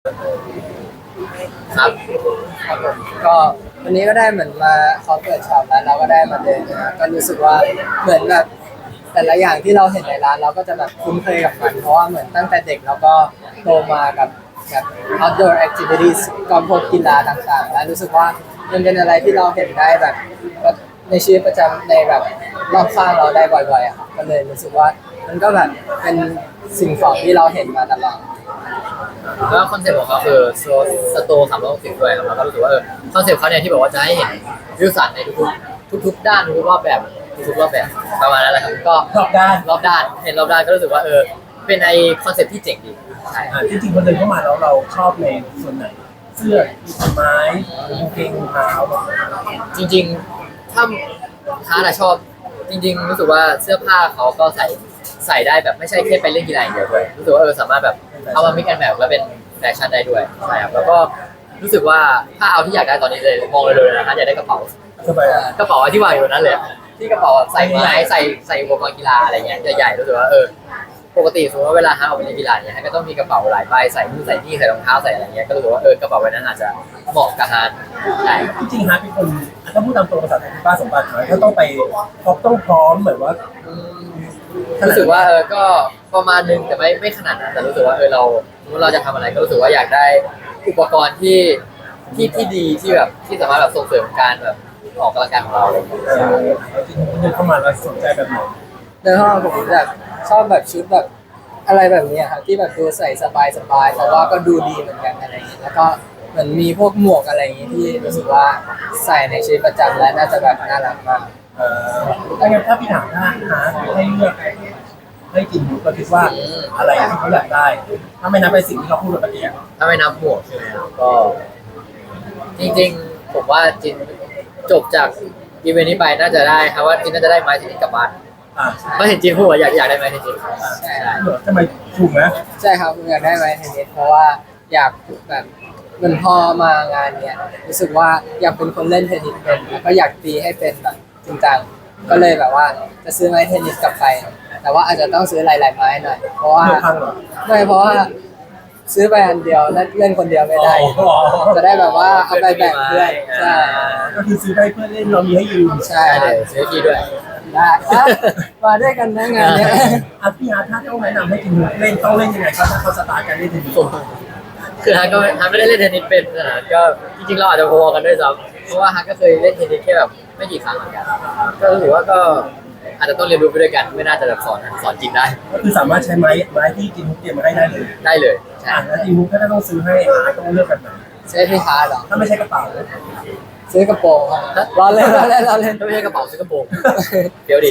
ครับครับผมก็วันนี้ก็ได้เหมือนมาเขาเปิดช็อปแล้วเราก็ได้มาเดินนะก็รู้สึกว่าเหมือนแบบแต่ละอย่างที่เราเห็นในร้านเราก็จะแบบคุ้นเคยกับมันเพราะว่าเหมือนตั้งแต่เด็กเราก็โตมากับแบบ outdoor activities ก็พวกกีฬาต่างๆแล้วรู้สึกว่ามันเป็นอะไรที่เราเห็นได้แบบในชีวิตประจำในแบบรอบข้างเราได้บ่อยๆอะครับก็เลยรู้สึกว่ามันก็แบบเป็นสิ่งของที่เราเห็นมาตลอดแล้วคอนเซ็ปต์ของเขาคือสโตร์360ด้วยครับแล้วก็รู้สึกว่าคอนเซ็ปต์เขาเนี่ยที่บอกว่าจะให้เห็นวิวสันในทุกๆด้านทุกรอบแบบทุกๆรอบแบบประมาณนั้นแหละครับก็รอบด้านรอบด้านเห็นรอบด้านก็รู้สึกว่าเป็นไอคอนเซ็ปต์ที่เจ๋งดีใช่จริงๆพอเดินเข้ามาแล้วเราชอบในส่วนไหนเสื้อไม้กางเกงรองเท้าจริงๆถ้าฮาร์ดชอบจริงๆรู้สึกว่าเสื้อผ้าเขาก็ใส่ได้แบบไม่ใช่แค่ไปเล่นกีฬาอย่างเดียวด้วยรู้สึกว่าสามารถแบบเอามามิกแอนด์แมทแล้วเป็นแฟชั่นได้ด้วยใช่ครับแล้วก็รู้สึกว่าถ้าเอาที่อยากได้ตอนนี้เลยมองเลยนะฮะอยากได้กระเป๋าสบายอ่ะกระเป๋าที่วางอยู่นั้นเลยที่กระเป๋าใส่ไม้ใส่อุปกรณ์กีฬาอะไรเงี้ยใหญ่ๆรู้สึกว่าปกติสมมติว่าเวลาฮะออกไปเล่นกีฬาเนี่ยฮะก็ต้องมีกระเป๋าหลายใบใส่นู่นใส่นี่ใส่รองเท้าใส่อะไรเงี้ยก็รู้สึกว่ากระเป๋าใบนั้นอาจจะเหมาะกับฮาร์ดใช่จริงๆฮาร์ดเป็นคนถ้าพูดตามตรงภาษาไทยป้าสมบัติหน่อยถ้าต้องไปพบต้องพร้อมเหมือนว่ารู้สึกว่าก็ประมาณนึงแต่ไม่ขนาดนั้นแต่รู้สึกว่าเราจะทำอะไรก็รู้สึกว่าอยากได้อุปกรณ์ที่ดีที่แบบที่สามารถแบบส่งเสริมการแบบออกกำลังกายของเราเลยจริงๆเดินเข้ามาแล้วสนใจแบบไหนในห้องผมแบบชอบแบบชุดแบบอะไรแบบนี้ครับที่แบบดูใส่สบายๆแต่ว่าก็ดูดีเหมือนกันอะไรอย่างนี้แล้วก็เหมือนมีพวกหมวกอะไรอย่างนี้ที่รู้สึกว่าใส่ในชีวิตประจำและน่าจะแบบน่ารักมากถ้าพี่ถามถ้าฮาร์ดให้เลือกให้กินหมูก็คิดว่าอะไรที่เขาอยากได้ถ้าไม่นับไปสิ่งที่เขาพูดเมื่อกี้ถ้าไม่นับหมวกใช่ไหมครับก็จริงๆผมว่าจินจบจากอีเวนต์นี้ไปน่าจะได้ครับว่าจินน่าจะได้ไม้ชนิดกลับบ้านเพราะเห็นจินพูดว่าอยากได้ไม้ชนิดใช่ทำไมถูกไหมใช่ครับผมอยากได้ไม้เทนนิสเพราะว่าอยากแบบเหมันพอมางานเนี้ยรู้สึกว่าอยากเป็นคนเล่นเทนนิสเป็นแล้วก็อยากตีให้เป็นแบบจริงจังก็เลยแบบว่าจะซื้อไม้เทนนิสกลับไปแต่ว่าอาจจะต้องซื้อหลายๆไม้หน่อยเพราะว่าไม่เพราะว่าซื้อไปอันเดียวแล้วเล่นคนเดียวไม่ได้จะได้แบบว่าเอาไปแบ่งเพื่อนใช่ก็คือซื้อได้เพื่อเล่นเรามีให้ยืมใช่เลยซื้อทีด้วยได้มาด้วยกันนะงานเนี้ยพี่อาร์ตถ้าต้องแนะนำให้กินเล่นต้องเล่นยังไงครับถ้าเขาสตาร์ทการเล่นทีนี้คือฮันไม่ได้เล่นเทนนิสเป็นนะก็จริงๆเราอาจจะพอกันด้วยซ้ำเพราะว่าฮันก็เคยเล่นเทนนิสแค่แบบไม่กี่ครั้งเหมือนกันก็รู้สึกว่าก็อาจจะต้องเรียนรู้ไปด้วยกันไม่น่าจะแบบสอนจริงได้ก็คือสามารถใช้ไม้ที่กินทุกเตรียมมาให้ได้เลยได้เลยใช่แล้วทีมุกก็ต้องซื้อให้ต้องเลือกแบบไหนซื้อที่ฮาร์ดหรอถ้าไม่ใช่กระเป๋าซื้อกระโปรงครับรอเล่นถ้าไม่ใช่กระเป๋าซื้อกระโปรงเดี๋ยวดิ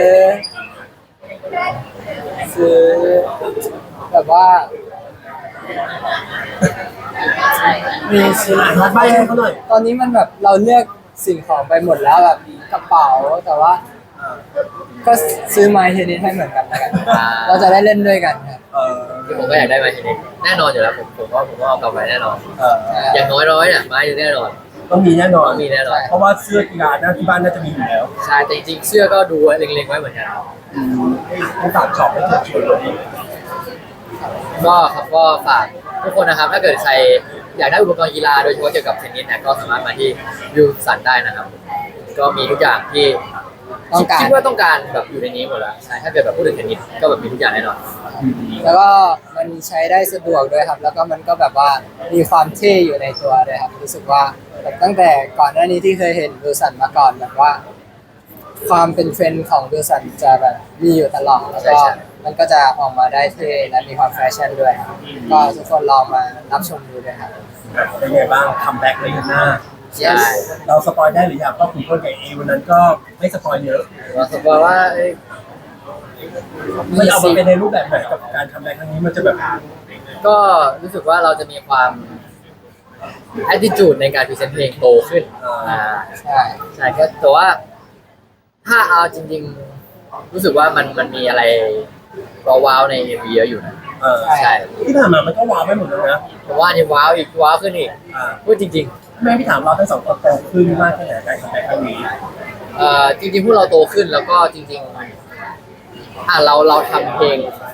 ซื้อแบบว่ามีชิ้นใบให้เขาหน่อยตอนนี้มันแบบเราเลือกสิ่งของไปหมดแล้วแบบกระเป๋าแต่ว่าก็ซื้อไม้เทนนิสให้เหมือนกันแล้วกันเราจะได้เล่นด้วยกันครับที่ผมก็อยากได้ไม้เทนนิสแน่นอนอยู่แล้วผมว่าเอากลับไปแน่นอนอย่างน้อยเนี่ยไม้แน่นอนต้องมีแน่นอนมีแน่นอนเพราะว่าเสื้อกีฬาหน้าที่บ้านน่าจะมีอยู่แล้วใช่แต่จริงๆเสื้อก็ดูเล็งๆไว้เหมือนกันให้ฝากช็อปให้เชิญชวนเลยก็ฝากทุกคนนะครับถ้าเกิดใครอยากได้อุปกรณ์กีฬาโดยเฉพาะเกี่ยวกับเทนนิสเนี่ยก็สามารถมาที่วิวสันได้นะครับก็มีทุกอย่างที่คิดว่าต้องการแบบอยู่ในนี้หมดแล้วใช่ถ้าเกิดแบบพูดถึงเทนนิสก็แบบมีทุกอย่างแน่นอนแล้วก็มันใช้ได้สะดวกด้วยครับแล้วก็มันก็แบบว่ามีความเท่อยู่ในตัวด้วยครับรู้สึกว่าแบบตั้งแต่ก่อนหน้านี้ที่เคยเห็นวิลสันมาก่อนแบบว่าความเป็นเทรนด์ของวิลสันจะแบบมีอยู่ตลอดแล้วก็มันก็จะออกมาได้เท่และมีความแฟชั่นด้วยก็ทุกคนลองมารับชมดูด้วยครับเป็นไงบ้างคัมแบ็กเลยหน้าเราสปอยได้หรือยังก็คุณคนกับเอวันนั้นก็ไม่สปอยเยอะเราสปอยว่ามันเอามาเป็นในรูปแบบไหนกับการคัมแบ็กครั้งนี้มันจะแบบก็รู้สึกว่าเราจะมีความ attitude ในการพรีเซนต์เพลงโตขึ้นใช่ก็แต่ว่าถ้าเอาจริงๆรู้สึกว่ามันมีอะไรว้าวใน MV เยอะอยู่นะใช่ที่ผ่านมามันก็ว้าวไปหมดเลยนะผมว่านี่ว้าวอีกว้าวขึ้นอีกพูดจริงๆแม่พี่ถามเราทั้งสองคนโตขึ้นมากแค่ไหนการคัมแบ็กครั้งนี้จริงๆพวกเราโตขึ้นแล้วก็จริงๆเราทำเพลง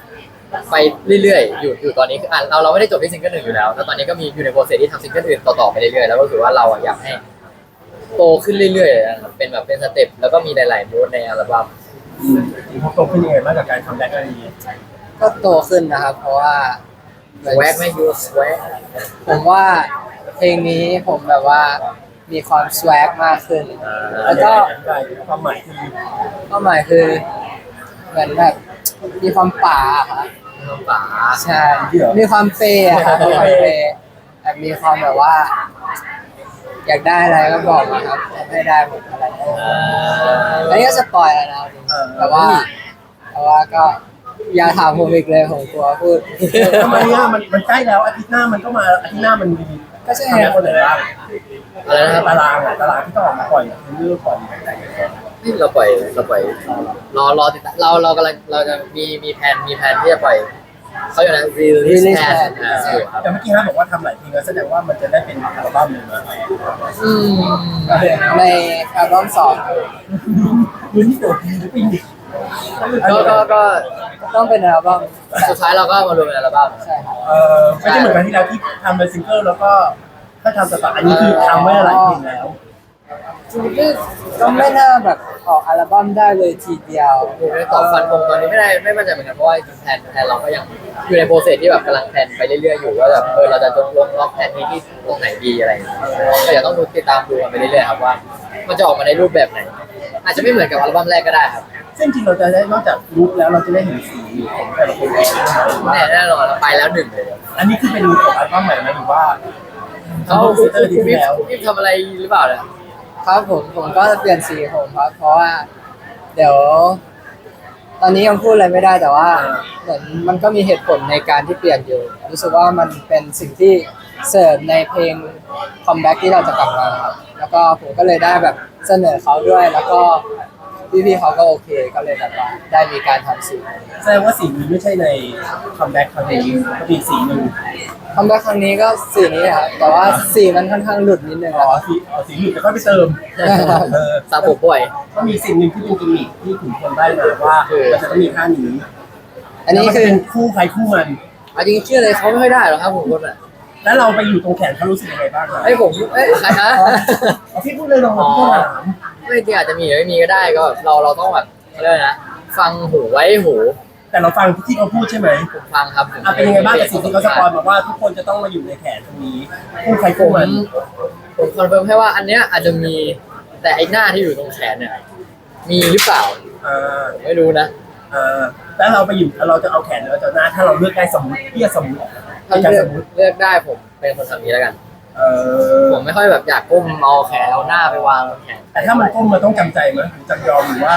ไปเรื่อยๆอยู่ตอนนี้คือเราไม่ได้จบที่ซิงเกิลหนึ่งอยู่แล้วแล้วตอนนี้ก็มีอยู่ในโปรเซสที่ทำซิงเกิลอื่นต่อๆไปเรื่อยๆแล้วก็คือว่าเราอยากให้โตขึ้นเรื่อยๆนะครับเป็นแบบเป็นสเต็ปแล้วก็มีหลายๆมูดในอัลบั้มพอโตขึ้นยังไงบ้างกับการคัมแบ็กครั้งนี้ก็โตขึ้นนะครับ เพราะว่าเหมือนแวกไม่ยูสแวกผมว่าเพลงนี้ผมแบบว่ามีความสวกมากขึ้น แล้วก็ความหมายคือเป้าหมายคือเหมือนแบบมีความป่าอะครับน้องป๋าใช่มีความเปย์อะครับมีความเปย์แบบมีความแบบว่า อยากได้อะไรก็บอกมาครับให้ได้หมดอะไรอันนี้ก็สปอยแล้วนะแต่ว่าก็อย่าถามผมอีกเลยผมกลัวพูดทำไมอ่ะมันใกล้แล้วอาทิตย์หน้ามันก็มาอาทิตย์หน้ามันมีก็ใช่คัมแบ็กคนไหนบ้างอะไรนะครับตารางที่ต้องออกมาปล่อยคือเรื่องปล่อยนี่เราปล่อยรอติดตามเรากำลังเราจะมีแผนที่จะปล่อยเขาอยู่นะ release plan แต่เมื่อกี้ฮะบอกว่าทำหลายเพลงแล้วแสดงว่ามันจะได้เป็นอัลบั้มเลยนะอืมในอัลบั้มสองยืนที่โดดดีหรือปีนก็ต้องเป็นอัลบั้มสุดท้ายเราก็มารวมเป็นอัลบั้มใช่ครับไม่ใช่เหมือนกันที่เราที่ทำเป็นซิงเกิลแล้วก็ถ้าทำสตาร์อันนี้คือทำไว้หลายเพลงแล้วจริงๆก็ไม่น่าแบบออกอัลบั้มได้เลยทีเดียวผมไม่ตอบฟันธงตอนนี้ไม่มั่นใจเหมือนกันเพราะว่าจริงๆแผนเราก็ยังอยู่ในโปรเซสที่แบบกำลังแผนไปเรื่อยๆอยู่ว่าแบบเราจะลงล็อกแผนนี้ที่ตรงไหนดีอะไรอย่างเงี้ยก็เดี๋ยวต้องดูติดตามดูกันไปเรื่อยๆครับว่ามันจะออกมาในรูปแบบไหน อาจจะไม่เหมือนกับอัลบั้มแรกก็ได้ครับซึ่งจริงเราจะได้นอกจากลุคแล้วเราจะได้เห็นสีของแต่ละคนแน่นอนเราไปแล้วหนึ่งเลยอันนี้คือเป็นของอัลบั้มใหม่ไหมหรือว่าเขาทำโปรเซสที่แล้วพี่ทำอะไรหรือเปล่าเนี่ยครับผมก็เปลี่ยนสีผมครับเพราะว่า เดี๋ยว ตอนนี้ยังพูดอะไรไม่ได้แต่ว่าเหมือนมันก็มีเหตุผลในการที่เปลี่ยนอยู่รู้สึกว่ามันเป็นสิ่งที่เสริมในเพลงคัมแบ็กที่เราจะกลับมาครับแล้วก็ผมก็เลยได้แบบเสนอเขาด้วย แล้วก็พี่ๆเขาก็โอเคก็เลยแบบว่าได้มีการทำสีแสดงว่าสีนี้ไม่ใช่ในคัมแบ็กครั้งนี้ก็เป็นสีหนึ่งคัมแบ็กครั้งนี้ก็สีนี้ครับแต่ว่าสีมันค่อนข้างหลุดนิดนึงอ๋อะอครับสีหนึ่งแต่ก็ไปเติมสาผมบ่อยก็มีสิ่งหนึ่งที่เป็นกิมมิคที่ขุนพลได้มาว่ามันจะต้องมีท่านี้อันนี้แล้วมัคือเป็นคู่ใครคู่มันเอาจริงๆเชื่อเลยเขาไม่ค่อยได้หรอกครับผมคนอ่ะแล้วเราไปอยู่ตรงแขนเขารู้สึกยังไงบ้างครับใครฮะเอาพี่พูดเลยลองพี่ถามไม่จริงอาจจะมีหรือไม่มีก็ได้ก็เราต้องแบบเขาเรียกอะไรนะฟังหูไว้หูแต่เราฟังที่เขาพูดใช่ไหมผมฟังครับผมเป็นยังไงบ้างกับสิ่งที่เขาสปอยมาว่าทุกคนจะต้องมาอยู่ในแขนตรงนี้คู่ใครผคู่มมันผมคอนเฟิร์มให้ว่าอันเนี้ยอาจจะมีแต่ไอ้หน้าที่อยู่ตรงแขนเนี่ยมีหรือเปล่าอ่าผมไม่รู้นะแล้วเราไปอยู่เราจะเอาแขนหรือเราจะหน้าถ้าเราเลือกได้สมมติพี่จะสมมติถ้าจะเลืสอกมมติเลือกได้ผมเป็นคนทำนี้แล้วกันเออผมไม่ค่อยแบบอยากก้มเอาแขนเอาหน้าไปวางบนแขนแต่ถ้ามันก้มมันต้องจำใจไหมหรือจำยอมหรือว่า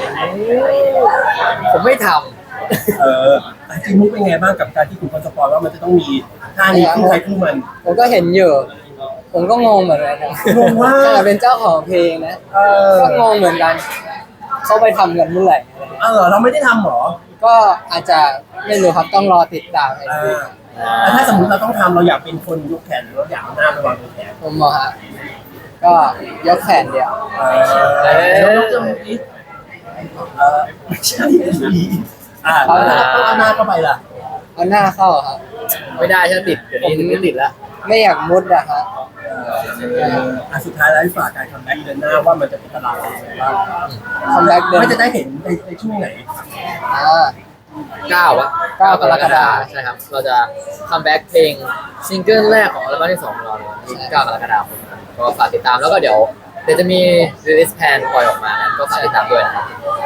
ผมไม่ทจริงมุกเป็นไงบ้างกับการที่คุณคนสปอยว่ามันจะต้องมีท่านี้คู่ใครคู่มันผมก็เห็นอยู่ ผมก็งงเหมือนกันนะงงว่าขนาดเป็นเจ้าของเพลงนะ ก็งงเหมือนกัน เขาไปทำกันเมื่อไหร่เราไม่ได้ทำหรอก็อาจจะไม่รู้ครับต้องรอติดตามแล้วถ้าสมมติเราต้องทำเราอยากเป็นคนยกแขนหรือเราอยากเอาหน้าไปวางบนแขนผมบอกฮะก็ยกแขนเดียวแล้วยกจมูกอีกไม่ใช่ต้องเอาหน้าเข้าไปล่ะเอาหน้าเข้าครับำไม่ได้ใช่ไหมติดเดี๋ยวนี้ไม่ติดแล้วไม่อยากมุดอะฮะสุดท้ายแล้วฝากการคัมแบ็กเดือนหน้าว่ามันจะเป็นตลาดอะไรบ้างคัมแบ็กเดินไม่จะได้เห็นในช่วงไหนอ่า 9 9 กรกฎาคมใช่ครับ เราจะคัมแบ็กเพลงซิงเกิลแรกของอัลบั้มที่2ของเราเลย9 กรกฎาคมก็ฝากติดตามแล้วก็เดี๋ยวจะมี release plan ปล่อยออกมาก็ฝากติดตามด้วยนะครับ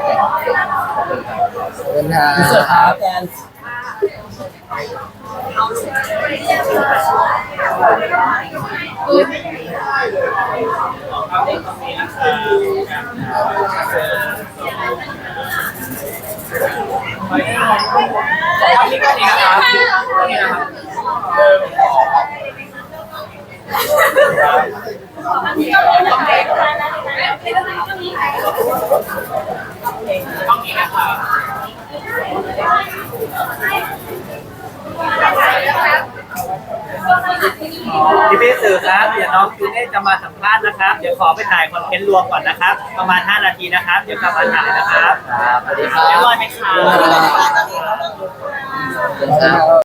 เดินทางเสื้อผ้าแกนพี่สื่อครับเดี๋ยวน้องจูเน่จะมาสัมภาษณ์นะครับเดี๋ยวขอไปถ่ายคอนเทนต์รวมก่อนนะครับประมาณ5 นาทีนะครับเดี๋ยวกลับมาถ่ายนะครับสวัสดีครัเรียบบร้อยไหมครับครับ